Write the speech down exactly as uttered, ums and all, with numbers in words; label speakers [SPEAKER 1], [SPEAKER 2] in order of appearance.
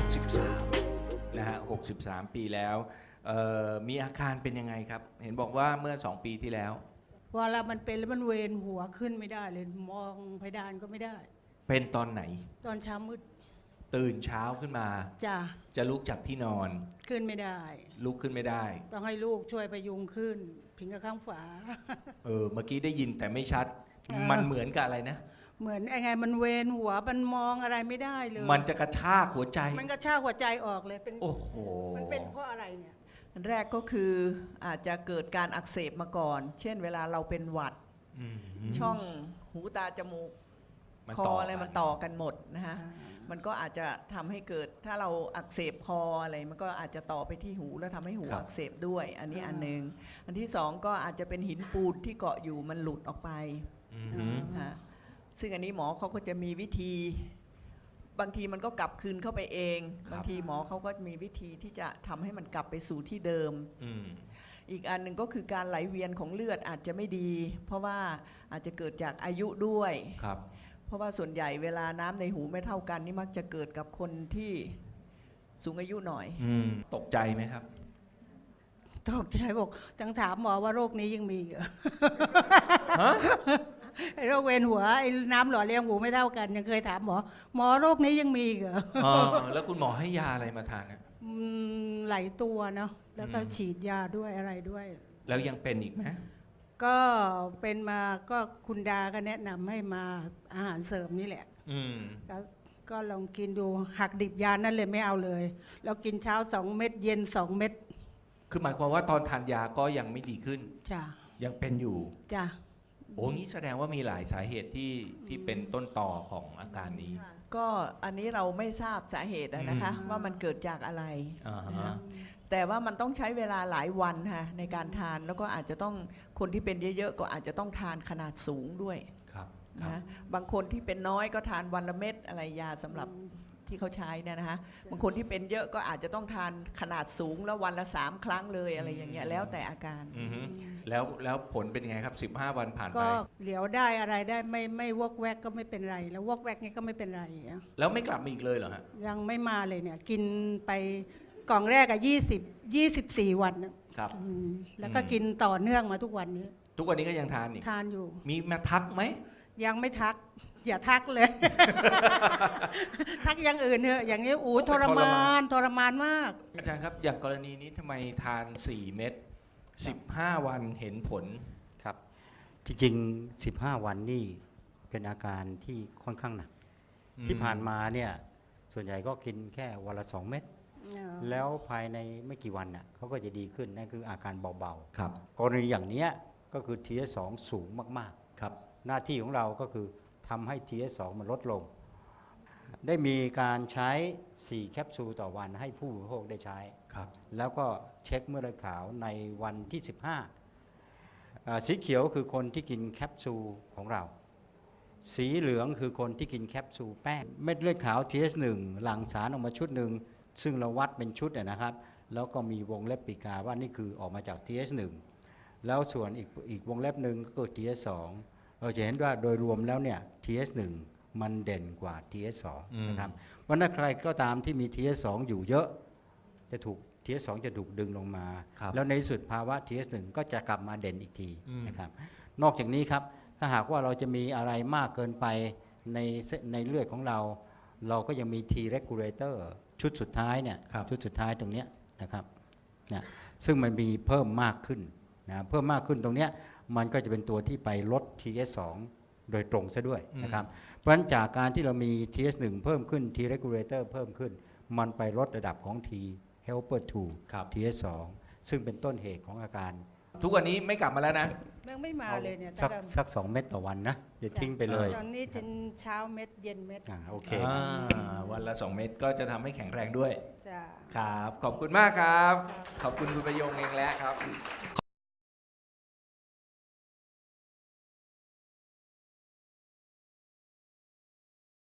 [SPEAKER 1] สิบสามนะฮะหกสิบสามปีแล้วมีอาการเป็นยังไงครับเห็นบอกว่าเมื่อสองปีที่แล้ว
[SPEAKER 2] พอเรามันเป็นแล้วมันเวียนหัวขึ้นไม่ได้เลยมองเพดานก็ไม่ได้
[SPEAKER 1] เป็นตอนไหน
[SPEAKER 2] ตอนเช้ามืด
[SPEAKER 1] ตื่นเช้าขึ้นมา
[SPEAKER 2] จ้ะ
[SPEAKER 1] จะลุกจากที่นอน
[SPEAKER 2] ขึ้นไม่ได้
[SPEAKER 1] ลุกขึ้นไม่ได้
[SPEAKER 2] ต้องให้ลูกช่วยพยุงขึ้นพิงกับข้างฝา
[SPEAKER 1] เออเมื่อกี้ได้ยินแต่ไม่ชัดมันเหมือนกับอะไรนะ
[SPEAKER 2] เหมือนไงมันเวียนหัวมันมองอะไรไม่ได้เลย
[SPEAKER 1] มันจะกระชากหัวใจ
[SPEAKER 2] มันกระชากหัวใจออกเลยเป็น
[SPEAKER 1] โอ้โห
[SPEAKER 2] มันเป็นเพราะอะไรเนี่ย
[SPEAKER 3] อันแรกก็คืออาจจะเกิดการอักเสบมาก่อนเช่นเวลาเราเป็นหวัดช่องหูตาจมูกคออะไรมันต่อกันหมดนะฮะมันก็อาจจะทำให้เกิดถ้าเราอักเสบคออะไรมันก็อาจจะต่อไปที่หูแล้วทำให้หูอักเสบด้วยอันนี้อันหนึ่งอันที่สองก็อาจจะเป็นหินปูนที่เกาะอยู่มันหลุดออกไปซึ่งอันนี้หมอเขาก็จะมีวิธีบางทีมันก็กลับคืนเข้าไปเองบางทีหมอเขาก็มีวิธีที่จะทำให้มันกลับไปสู่ที่เดิมอีกอันหนึ่งก็คือการไหลเวียนของเลือดอาจจะไม่ดีเพราะว่าอาจจะเกิดจากอายุด้วยเพราะว่าส่วนใหญ่เวลาน้ำในหูไม่เท่ากันนี่มักจะเกิดกับคนที่สูงอายุหน่อย
[SPEAKER 1] ตกใจไหมครับ
[SPEAKER 2] ตกใจบอกจังถามหมอว่าโรคนี้ยังมีเหรอไอ้โรคเวียนหัวไอ้น้ำหล่อเลี้ยงหูไม่เท่ากันยังเคยถามหมอหมอโรคนี้ยังมีเหรอ
[SPEAKER 1] แล้วคุณหมอให้ยาอะไรมาทานอ่ะ
[SPEAKER 2] หลายตัวเนาะแล้วก็ฉีดยาด้วยอะไรด้วย
[SPEAKER 1] แล้วยังเป็นอีกไหม
[SPEAKER 2] ก็เป็นมาก็คุณดาก็แนะนำให้มาอาหารเสริมนี่แหละแล้วก็ลองกินดูหักดิบยานั่นเลยไม่เอาเลยแล้วกินเช้าสองเม็ดเย็นสองเม็ด
[SPEAKER 1] คือหมายความว่าตอนทานยาก็ยังไม่ดีขึ้น
[SPEAKER 2] จ้ะ
[SPEAKER 1] ยังเป็นอยู่
[SPEAKER 2] จ้ะ
[SPEAKER 1] โอ้งี้แสดงว่ามีหลายสาเหตุที่ที่เป็นต้นต่อของอาการนี้
[SPEAKER 3] ก็อันนี้เราไม่ทราบสาเหตุนะคะว่ามันเกิดจากอะไรแต่ว่ามันต้องใช้เวลาหลายวันค่ะในการทานแล้วก็อาจจะต้องคนที่เป็นเยอะๆก็อาจจะต้องทานขนาดสูงด้วยนะบางคนที่เป็นน้อยก็ทานวันละเม็ดอะไรยาสำหรับที่เขาใช้เนี่ยนะคะบางคนที่เป็นเยอะก็อาจจะต้องทานขนาดสูงแล้ววันละสามครั้งเลยอะไรอย่างเงี้ยแล้วแต่อาการ
[SPEAKER 1] แล้วแล้วผลเป็นไงครับสิบห้าวันผ่านไป
[SPEAKER 2] ก็เหลียวได้อะไรได้ไม่ไม่วอกแวกก็ไม่เป็นไรแล้ววอกแวกนี่ก็ไม่เป็นไร
[SPEAKER 1] แล้วไม่กลับมาอีกเลยเหรอฮะ
[SPEAKER 2] ยังไม่มาเลยเนี่ยกินไปกล่องแรกอะยี่สิบยี่สิบสี่วัน
[SPEAKER 1] ครับ
[SPEAKER 2] แล้วก็กินต่อเนื่องมาทุกวันนี้
[SPEAKER 1] ทุกวันนี้ก็ยังทานอีก
[SPEAKER 2] ทานอยู่
[SPEAKER 1] มีมาทักไหม
[SPEAKER 2] ยังไม่ทักอย่าทักเลย ทักอย่างอื่นเถอะอย่างนี้อู้ทรมานทรมานมาก
[SPEAKER 1] อาจารย์ครับอย่างกรณีนี้ทำไมทานสี่เม็ดสิบห้าวันเห็นผล
[SPEAKER 4] ครับจริงๆสิบห้าวันนี่เป็นอาการที่ค่อนข้างหนักที่ผ่านมาเนี่ยส่วนใหญ่ก็กินแค่วันละสองเม็ดแล้วภายในไม่กี่วันน่ะเขาก็จะดีขึ้นนั่นคืออาการเบาๆครับกรณีอย่างนี้ก็คือ ที เอส สอง สูงมากๆครับหน้าที่ของเราก็คือทำให้ ที เอส สอง มันลดลงได้มีการใช้สี่แคปซูลต่อวันให้ผู้บริโภคได้ใช้ครับแล้วก็เช็คเม็ดเลือดขาวในวันที่สิบห้าสีเขียวคือคนที่กินแคปซูลของเราสีเหลืองคือคนที่กินแคปซูลแป้งเม็ดเลือดขาว ที เอส หนึ่ง หลั่งสารออกมาชุดหนึ่งซึ่งเราวัดเป็นชุดนะครับแล้วก็มีวงเล็บปีกาว่านี่คือออกมาจาก ที เอส หนึ่ง แล้วส่วนอีกอีกวงเล็บหนึ่งก็คือ ที เอส สอง เราจะเห็นว่าโดยรวมแล้วเนี่ย ที เอส หนึ่ง มันเด่นกว่า ที เอส สอง นะครับเพราะถ้าใครก็ตามที่มี ที เอส สอง อยู่เยอะจะถูก ที เอส สอง จะถูกดึงลงมาแล้วในที่สุดภาวะ ที เอส หนึ่ง ก็จะกลับมาเด่นอีกทีนะครับนอกจากนี้ครับถ้าหากว่าเราจะมีอะไรมากเกินไปในในเลือดของเราเราก็ยังมี T regulator ชุดสุดท้ายเนี่ยชุดสุดท้ายตรงนี้นะครับนะซึ่งมันมีเพิ่มมากขึ้นนะเพิ่มมากขึ้นตรงนี้มันก็จะเป็นตัวที่ไปลด ที เอส สอง โดยตรงซะด้วยนะครับเพราะฉะนั้นจากการที่เรามี ที เอส หนึ่ง เพิ่มขึ้น T regulator เพิ่มขึ้นมันไปลดระดับของ T helper ทู ที เอส สอง ซึ่งเป็นต้นเหตุของอาการ
[SPEAKER 1] ทุกวันนี้ไม่กลับมาแล้วนะ
[SPEAKER 2] ยังไม่มาเลยเนี่ย
[SPEAKER 4] สักสักสองเม็ดต่อวันนะอย่าทิ้งไปเลย
[SPEAKER 2] ตอนนี้กินเช้าเม็ดเย็นเม็ด
[SPEAKER 4] อ่าโอเค
[SPEAKER 1] วันละสองเม็ดก็จะทำให้แข็งแรงด้วยครับขอบคุณมากครับขอบคุณคุณประยงเองแล้วครับ